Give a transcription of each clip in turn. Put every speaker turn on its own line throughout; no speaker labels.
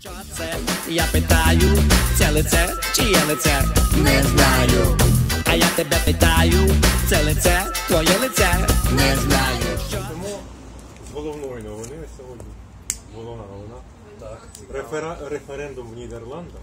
Що це? Я питаю, це лице, чиє лице? Не знаю. А я тебе питаю, це лице, твоє лице? Не знаю.
Тому з головної новини на сьогодні. Головна новина.
Так.
Референдум в Нідерландах.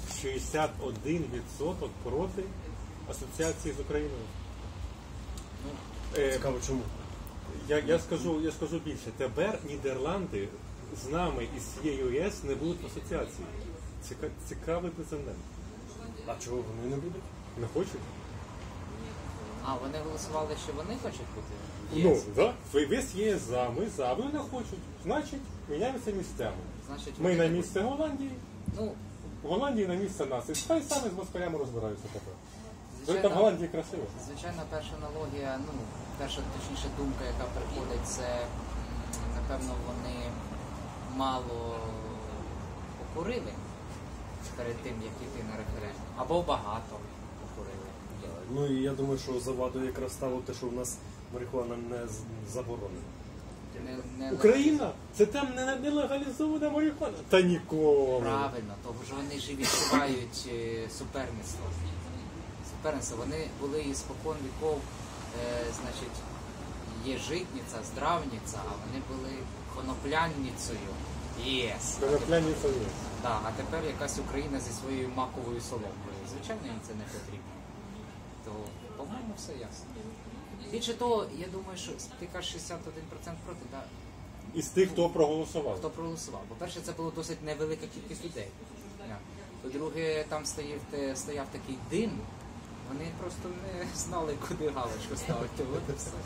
61% проти асоціації з Україною.
Цікаво, чому?
Я скажу більше. Тепер Нідерланди з нами і з цією ЄС не будуть в асоціації. Цікавий прецедент.
А чого вони не будуть?
Не хочуть?
А, вони голосували, що вони хочуть бути?
Ну, так. Весь ЄС за, ми за, вони не хочуть. Значить, міняємося місцями.
Значить,
Ми
вони
на
не
місце Голландії,
Ну,
в Голландії на місце нас. І хай самі з москалями розбираються тепер. Ви там в
звичайно,
Голландії красиво.
звичайно, перша аналогія, перша, точніше, думка, яка приходить, це, напевно, вони мало покурили перед тим, як йти на референдум. Або багато покурили.
Ну і я думаю, що завадою якраз стало те, що в нас марихуана не заборонена.
Не
Україна? Це там не легалізована марихуана? Та ніколи.
Правильно, тому що вони ж і відчувають суперництво. Суперництво. Вони були і спокон віков, значить, є житниця, здравниця, а вони були коноплянницею. Єс.
Конопляниця є.
Да, а тепер якась Україна зі своєю маковою соломкою. Звичайно, їм це не потрібно. То, по-моєму, все ясно. Більше того, я думаю, що ти кажеш 61% проти, да?
Із тих, хто проголосував.
Хто проголосував. По-перше, це було досить невелика кількість людей. По-друге, там стояв такий дим, вони просто не знали, куди галочку ставити. От і все.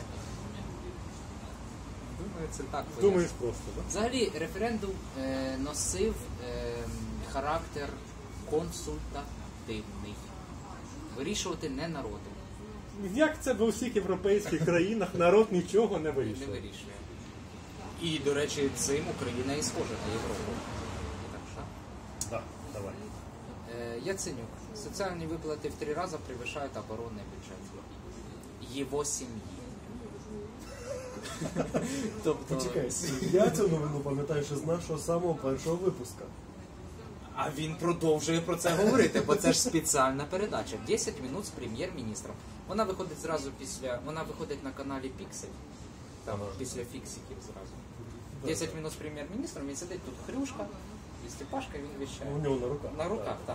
Думаю, це так пояснює.
Думаєш просто, так?
Взагалі, референдум носив характер консультативний. Вирішувати не народу.
Як це в усіх європейських країнах народ нічого не
Не
вирішує?
вирішує. І, до речі, цим Україна і схожа на Європу. Так що?
Так, давай.
Яценюк. Соціальні виплати в 3 рази перевищають оборонний бюджет. Його сім'ї. Тобто...
Почекай, я цю новину пам'ятаю ще з нашого самого першого випуска.
А він продовжує про це говорити, бо це ж спеціальна передача. 10 минут з прем'єр-міністром. Вона виходить зразу вона виходить на каналі Піксель. Там після фіксиків зразу. 10 минут з прем'єр-міністром, він сидить тут хрюшка, і Степашка, він віщає.
У нього на руках.
На руках, так.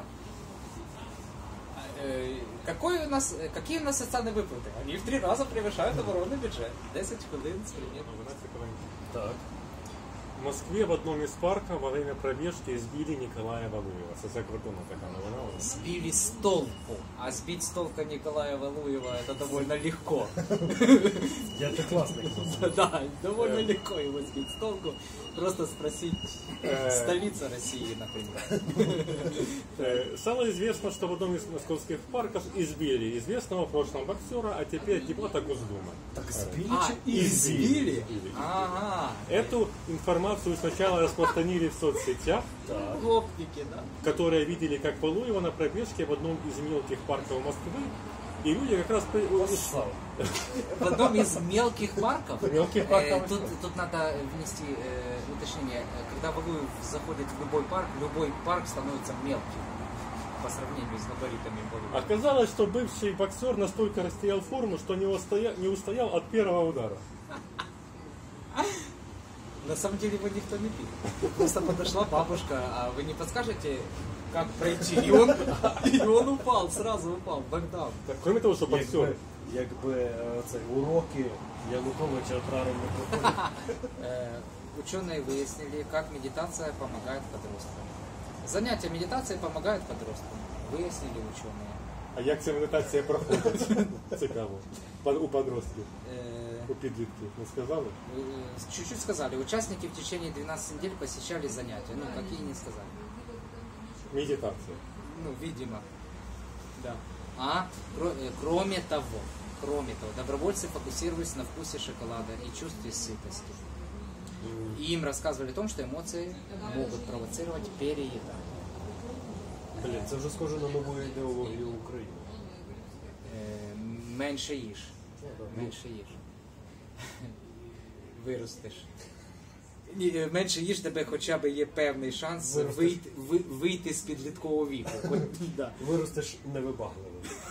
Какие у нас социальные выплаты? Они в 3 раза превышают оборонный бюджет. 10 хвилин з прем'єр.
Так.
В Москве в одном из парков во время пробежки избили Николая Валуева. Це закрутона така новина.
Сбили с толку. А сбить с толка Николая Валуева это довольно легко.
Я це класно.
Да, довольно легко его сбить с толку. Просто спросить столица России, например.
Стало известно, что в одном из московских парков избили известного в прошлом боксера, а теперь депутата Госдумы.
Так збили
А,
чи
избили? Ага.
Эту информацию сначала распространили в соцсетях,
Гопники, да.
которые видели, как Валуева на пробежке в одном из мелких парков Москвы. И люди как раз...
Слава.
В одном из мелких парков,
Мелких парков.
тут надо внести уточнение, когда Валуев заходит в любой парк становится мелким по сравнению с габаритами Валуева.
Оказалось, что бывший боксер настолько растерял форму, что не устоял от первого удара.
На самом деле его никто не пил. Просто подошла бабушка, а вы не подскажете, как пройти? И он упал, сразу упал, бэкдаун.
Кроме того, что боксер...
Якби це уроки Януковича правильно проходять.
Ученые выяснили, как медитация помогает подросткам. Занятия медитацией помогают подросткам. Выяснили ученые.
А як ця медитація проходить? Цікаво. У подростків. У підлітків. Не сказали?
Чуть-чуть сказали. Участники в течение 12 недель посещали занятия. Какие не сказали.
Медитація.
Видимо. Да. Кроме того, добровольцы фокусировались на вкусе шоколада и чувстве сытости. И им рассказывали о том, что эмоции могут провоцировать переедание.
Блін, це вже схоже на нову ідеологію України.
Менше їж. Менше їж. Виростеш. Менше їж, тебе хоча б є певний шанс вийти з підліткового віку. От, да.
Виростеш невибагливим.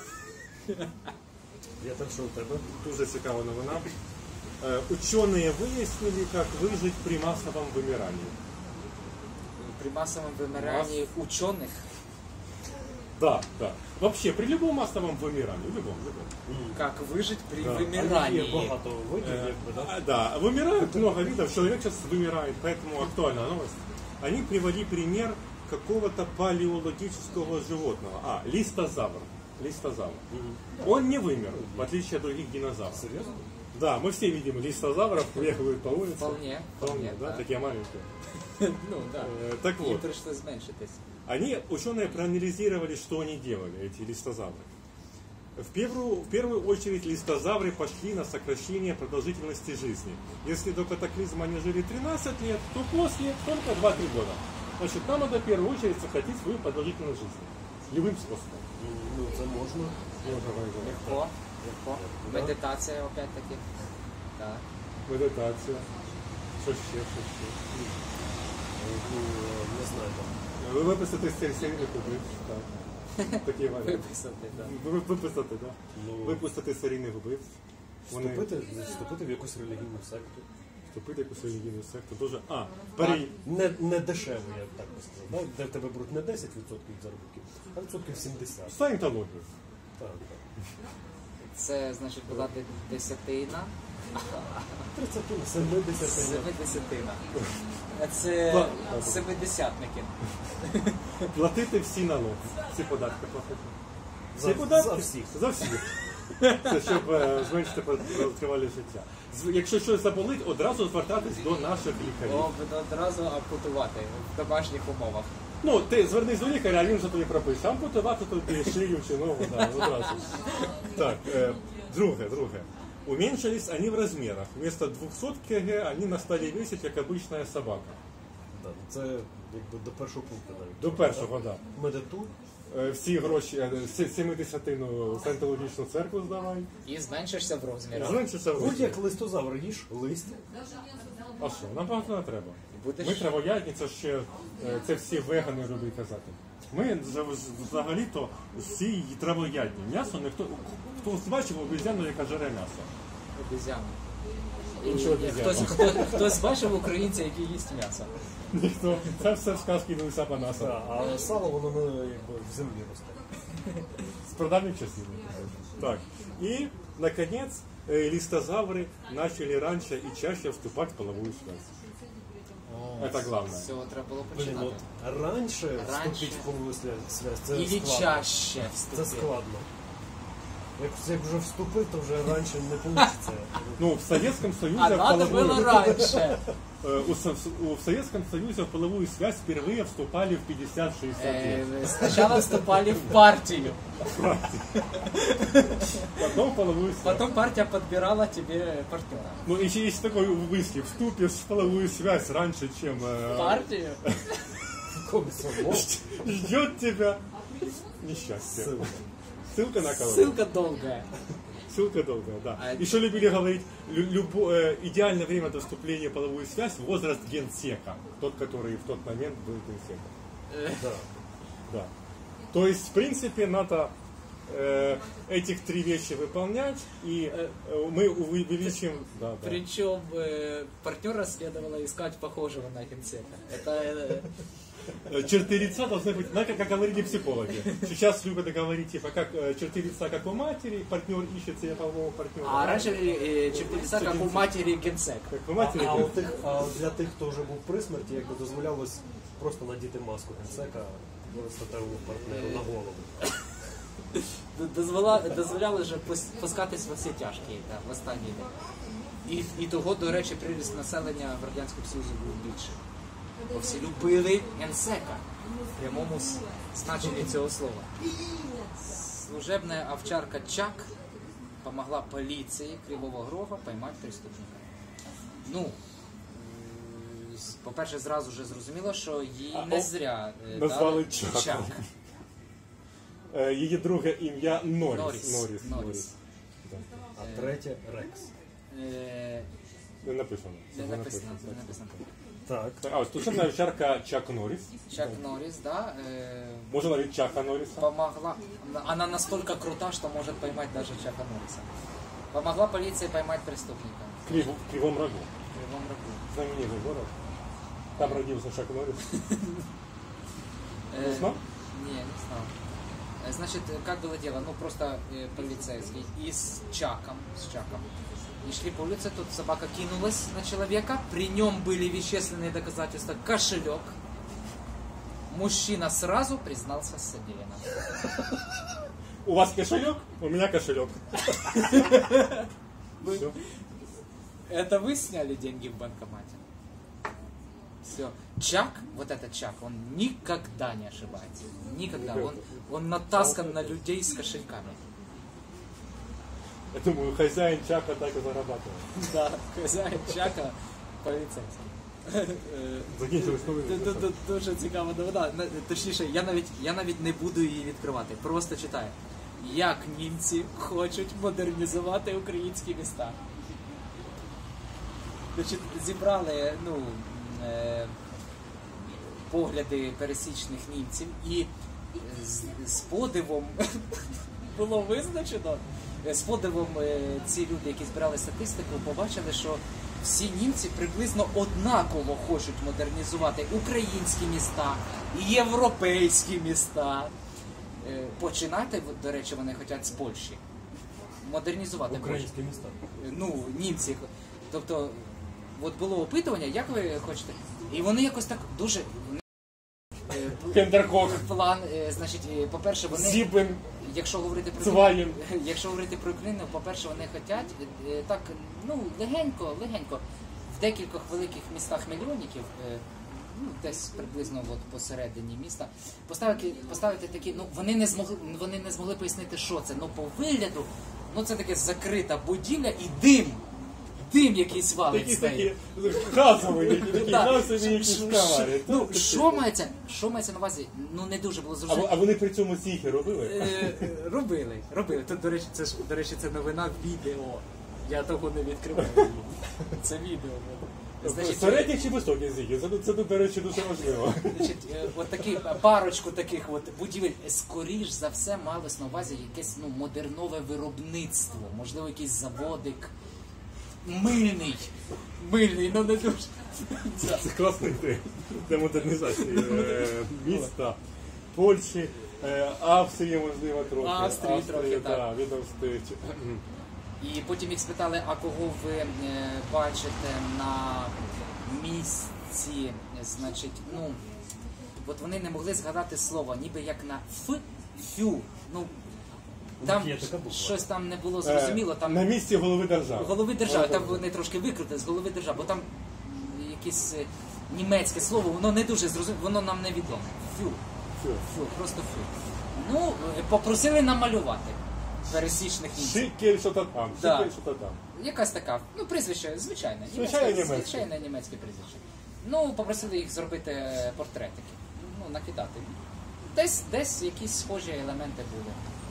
Я так, що у тебе?
Дуже цікава новина. Ученые выяснили, как выжить при массовом вымирании.
При массовом вымирании ученых.
Да, да. Вообще, при любом массовом вымирании, любом.
Как выжить при
Да.
Є
вымирании.
багато видів, якби, да?
Да, вымирают много видов, человек сейчас вымирает, поэтому актуальная новость. Они привели пример какого-то палеологического животного. Листозавр. Листозавр. Он не вымер, в отличие от других динозавров.
Серйозно?
Да, мы все видим листозавров, бегают по улице.
Вполне,
да, такие маленькие.
Ну, да.
Так
Їм
вот,
прийшлось зменшитись.
ученые проанализировали, что они делали, эти листозавры. В первую очередь листозавры пошли на сокращение продолжительности жизни. Если до катаклизма они жили 13 лет, то после только 2-3 года. Значит, нам надо в первую очередь сократить свою продолжительность жизни. Любым способом.
Ну, це можна.
Легко. Медитація, опять-таки. Так.
Медитація. Що ще?
Ну, не знаю, там.
Ви виписати з серійних убивць. Так. Такі варіанти.
Виписати, так.
Виписати, так.
Ну,
Випустити серійних убивць.
Вступити в якусь релігійну секту.
Вступити в якусь релігійну секту. Дуже...
Не дешево, я б так би сказав. Да? Де в тебе беруть не 10% від заробітків, а відсотків 70.
Саєнтологію.
Так.
Це, значить, була десятина.
30, 70.
Семидесятина. Це семидесятники.
Платити всі налоги. Всі податки платити. Всі
За
податки?
всіх.
За всіх. Це щоб зменшити тривалість життя. Якщо щось заболить, одразу звертатись до наших лікарів.
Одразу ампутувати в домашніх умовах.
Ну, ти звернись до лікаря, а він вже тобі пропише. Ампутувати тобі шию чи ногу, да, одразу. Так, друге. Уменьшились они в размерах. Вместо 200 кг они настали весить, как обычная собака.
Да, це якби до першого пункту навіть.
До першого, так.
Медиту.
Всі гроші, 70-тину в Саєнтологічну церкву здавай.
І зменшишся в розмірах.
Зменшиться в
Будь як листозавр їж лист.
А що, нам багато не треба.
Будеш-
Ми травоядні, це всі вегани люблять казати. Ми взагалі-то всі травоядні. М'ясо ніхто... Хто бачив обезьяну, яка жере м'ясо?
Обезьяну.
Іншого обезьяну.
Хтось бачив українця, який їсть м'ясо?
Ніхто. Це все в сказки Луїса Панаса.
А сало воно якби в землі росте.
С прадавних часов. Так. И, наконец, листозавры начали раньше и чаще вступать в половую связь. Это главное.
З цього треба було
Блін,
починати.
от раніше вступити в полову связь, це
Ілі
складно.
чаще
Це
вступити.
складно. Як вже вступив, то вже раніше не вийде.
Ну, в Советском Союзе
А надо было раньше.
в Советском Союзе в половую связь впервые вступали в 50-60 лет.
Сначала вступали в партию.
Потом в половую связь.
Потом партия подбирала тебе партнера.
Ну, еще есть такой выски. Вступишь в половую связь раньше, чем
Партию?
Комсомол.
ждет тебя несчастье. Ссылка на кого?
Ссылка долгая.
Ссылка долгая, да.
А
Еще любили говорить, идеальное время до вступления в половую связь – возраст генсека. Тот, который в тот момент был генсеком.
Да.
Да. То есть, в принципе, надо этих три вещи выполнять, и мы увеличим... Да, да.
Причем партнера следовало искать похожего на генсека. Это
Черты лица должны быть, знаете, как говорили психологи. Сейчас любят говорить, типа, как черты лица, как у матери, партнер ищет себе полового партнера.
А раньше черты лица, как у матери генсек.
Как у матери.
А для тих, хто вже був при смерті, якби дозволялось просто надіти маску генсека статевому партнеру на голову.
Дозволяли вже пускатись во всі тяжкі в останній день. І того, до речі, приріст населення в Радянському Союзі був більше. Бо всі любили генсека в прямому значенні цього слова. Служебная овчарка Чак помогла полиции Кривого Рога поймать преступника. Ну, по-перше, зразу же зрозуміло, що її не зря
назвали
дали
Чак. Її друге ім'я Норріс.
Норріс.
А третє Рекс.
Не написано.
Не написано.
Так.
А ось тут овчарка Чак Норрис.
Чак Норрис, да,
Можно ловить Чака Норриса.
помогла. Она настолько крута, что может поймать даже Чака Норриса. Помогла полиции поймать преступника.
В Кривом Рогу.
В Кривом Рогу.
Знаменитый город. Там родился Чак Норрис. Не знал?
Не, не знал. Значит, как было дело? Ну, просто полицейский и с Чаком. И шли по улице, тут собака кинулась на человека. При нем были вещественные доказательства. Кошелек. Мужчина сразу признался с содеянным.
У вас кошелек? У меня кошелек. Всё.
Это вы сняли деньги в банкомате? Все. Чак, вот этот Чак, он никогда не ошибается. Никогда. Он натаскан на людей с кошельками.
Я думаю, хозяин Чака так и зарабатывает.
Да, хозяин Чака поліцейський.
Закінчилось новини.
Дуже цікава новина. Точніше, я навіть не буду її відкривати. Просто читаю. Як німці хочуть модернізувати українські міста. Значить, зібрали погляди пересічних німців і з подивом було визначено, з подивом ці люди, які збирали статистику, побачили, що всі німці приблизно однаково хочуть модернізувати українські міста, європейські міста. Починати, до речі, вони хочуть з Польщі. Модернізувати
Українські міста.
Ну, німці. Тобто, от було опитування, як ви хочете? І вони якось так дуже...
Кендеркох.
План, значить, по-перше, вони...
Зібен.
Якщо говорити про
Цваєн.
якщо говорити про Україну, по-перше, вони хочуть так, легенько, в декількох великих містах мільйонників, десь приблизно от посередині міста, поставити такі, вони не змогли пояснити, що це. По вигляду, це таке закрита будівля і дим якийсь валить з неї.
Такі газові якісь камери.
Що мається на увазі? Не дуже було зрозуміло.
А вони при цьому сіхи робили?
Робили. Тут, до речі, це новина відео. Я того не відкриваю. Це відео. Значить,
середніх чи високих зіхів? Це, до речі, дуже важливо.
Значить, от такі, парочку таких от будівель, скоріш за все, малось на увазі якесь модернове виробництво. Можливо, якийсь заводик. Мильний, не дуже.
Це класний ідея для модернізації міста, Польщі, Австрії, можливо, трохи.
Австрії трохи, так.
Від Австрії.
І потім їх спитали, а кого ви бачите на місці, значить, от вони не могли згадати слово, ніби як на фю. Там щось там не було зрозуміло. Там...
На місці голови держави.
Голови держави, там вони трошки викрутили з голови держави, бо там якесь німецьке слово, воно не дуже зрозуміло, воно нам не відомо. Фю, просто фю. Попросили намалювати пересічних німців.
Шикель, що то там.
Якась така, прізвище, звичайне німецьке прізвище. Попросили їх зробити портретики, накидати. Десь якісь схожі елементи були.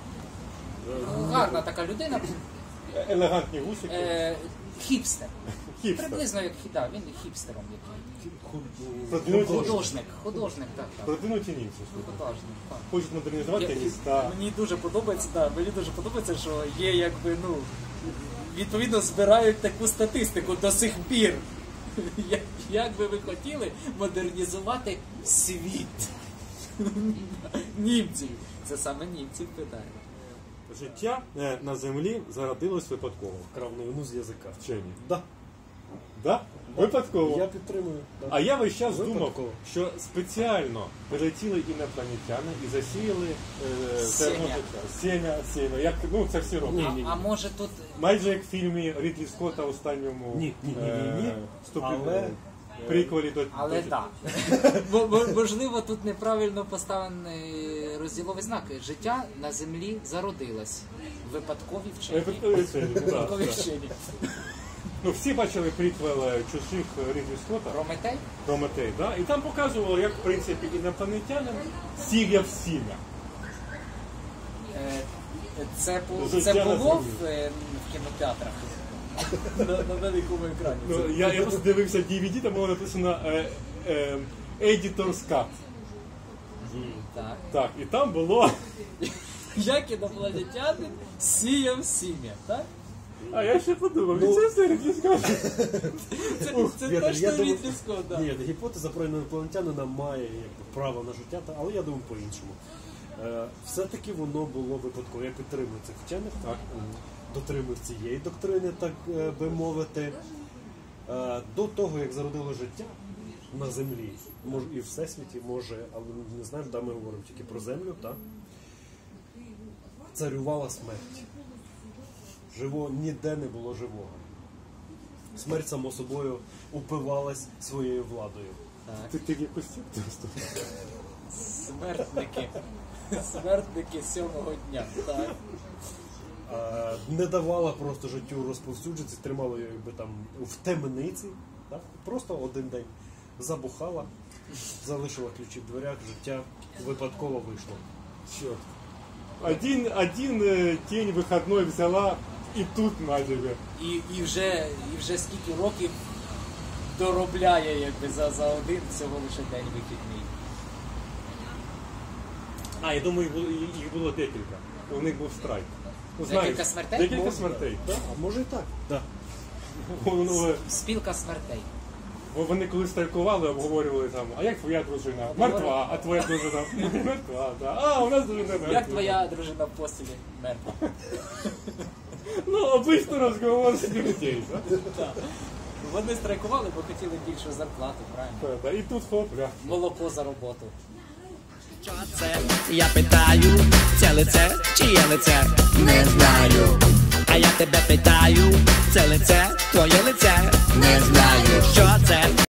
Гарна така людина.
Елегантні гусики.
Хіпстер. Приблизно як він хіпстером
Продвинуті
так.
Продвинуті німці.
Художник, так.
Хочуть модернізувати міста.
Мені дуже подобається, що є відповідно збирають таку статистику до сих пір. Як би ви хотіли модернізувати світ? Німців. Це саме німців питання.
Життя на землі зародилось випадково.
Вкрав новину з язика.
Вчені.
Да.
Випадково.
Я підтримую. Да.
А я весь час думав, що спеціально прилетіли інопланетяни і засіяли сеня. Як, це всі роблять.
А може тут...
Майже як в фільмі Рідлі Скотта останньому
Ні.
приквелі до...
Але так. Можливо, тут неправильно поставлений розділовий знак. Життя на землі зародилось. Випадкові вчені.
Всі бачили приквел чужих Рідлі Скотта. Прометей, да? І там показували, як, в принципі, інопланетянин сіяв сім'я.
Це було в кінотеатрах. на великому екрані.
Ну, я просто дивився DVD, там було написано Editor's Cut.
Так.
Так, і там було.
Як інопланетянин сіяв сім'я, так?
А я ще подумав, це все Рідлі Скотт.
Це
Вітер,
точно
я думаю-
Рідлі Скотт, так.
Ні, гіпотеза про інопланетянина має право на життя, але я думаю по-іншому. Все-таки воно було випадково. Я підтримую цих вчених, так, дотримую цієї доктрини, так би мовити. До того, як зародило життя на землі, може і в всесвіті, може, але не знаємо, де ми говоримо тільки про землю, так? Царювала смерть. Ніде не було живого. Смерть, само собою, упивалась своєю владою.
Ти в якусь просто.
Смертники. Смертники сьомого дня, так.
Не давала просто життю розповсюджитися, тримала її якби там в темниці, так? Просто один день забухала, залишила ключі в дверях, життя випадково вийшло.
Черт. Один день вихідний взяла і тут на тебе.
І вже скільки років доробляє якби за один всього лише день вихідний.
А, я думаю, їх було декілька. У них був страйк. Ну,
Декілька смертей?
Декілька смертей.
А може і так. Да.
Спілка смертей.
Бо вони коли страйкували, обговорювали там, а як твоя дружина? Мертва, а твоя дружина? Мертва, так. А, у нас дружина мертва.
Як твоя дружина в постілі мертва?
Ну, обично розговор з людей, так?
Так. Вони страйкували, бо хотіли більшу зарплату, правильно?
І тут хоп, ля.
Молоко за роботу.
Що це? Я питаю, це лице чи є лице? Не знаю. А я тебе питаю, це лице, твоє лице? Не знаю. Що це?